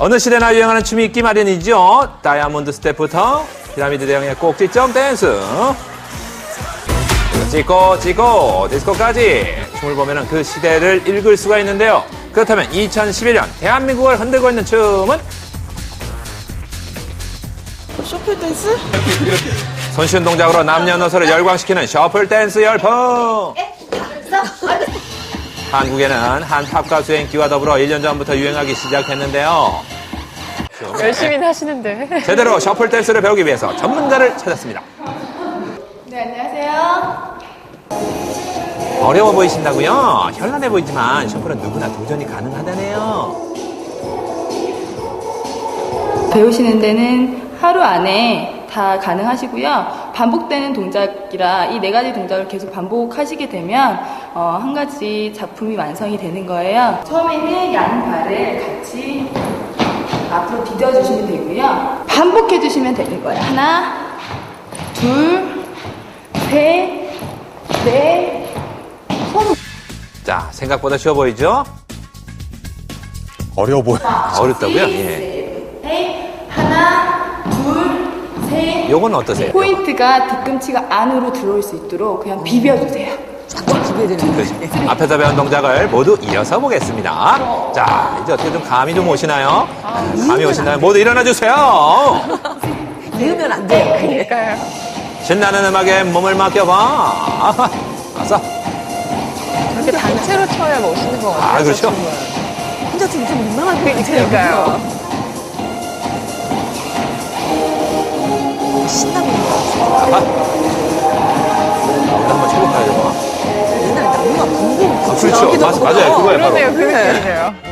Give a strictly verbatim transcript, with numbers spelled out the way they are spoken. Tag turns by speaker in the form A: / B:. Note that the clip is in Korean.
A: 어느 시대나 유행하는 춤이 있기 마련이죠. 다이아몬드 스텝부터 피라미드 대형의 꼭지점 댄스. 찍고 찍고 디스코까지 춤을 보면 그 시대를 읽을 수가 있는데요. 그렇다면 이천십일 년 대한민국을 흔들고 있는 춤은?
B: 셔플 댄스?
A: 손쉬운 동작으로 남녀노소를 열광시키는 셔플 댄스 열풍. 한국에는 한 팝 가수의 인기와 더불어 일 년 전부터 유행하기 시작했는데요.
C: 열심히 하시는데.
A: 제대로 셔플 댄스를 배우기 위해서 전문가를 찾았습니다.
D: 네, 안녕하세요.
A: 어려워 보이신다고요? 현란해 보이지만 셔플은 누구나 도전이 가능하다네요.
D: 배우시는 데는 하루 안에 다 가능하시고요. 반복되는 동작이라 이 네 가지 동작을 계속 반복하시게 되면 어, 한 가지 작품이 완성이 되는 거예요. 처음에는 양발을 같이 앞으로 디뎌주시면 되고요. 반복해주시면 되는 거예요. 하나, 둘, 셋, 넷, 손.
A: 자, 생각보다 쉬워 보이죠?
E: 어려워 보여.
A: 아, 어렵다고요? 예.
D: 셋, 넷, 하나, 둘, 셋.
A: 요건 어떠세요?
D: 포인트가 뒤꿈치가 안으로 들어올 수 있도록 그냥 비벼주세요.
B: 쫙쫙 비벼야 되는 거지.
A: 그렇죠. 앞에서 배운 동작을 모두 이어서 보겠습니다. 자, 이제 어떻게 좀 감이 좀 오시나요? 감이 오신다면 모두 일어나 주세요.
B: 이으면 안 돼요.
C: 그러니까요.
A: 신나는 음악에 몸을 맡겨봐. 아하, 가서.
C: 이렇게 단체로 쳐야 멋있는 것 같아요.
A: 아, 그렇죠.
B: 혼자 좀, 좀 민망할 것 같아요.
C: 그러니까요.
B: 신나고 있는 것 같아요.
A: 아하. 일단 한번 쳐볼까요, 이거?
B: 옛날에 나무가 붕붕
A: 아, 그렇죠. 맞, 맞아요. 그거예요, 바로.
C: 그러네요, 그 느낌이네요.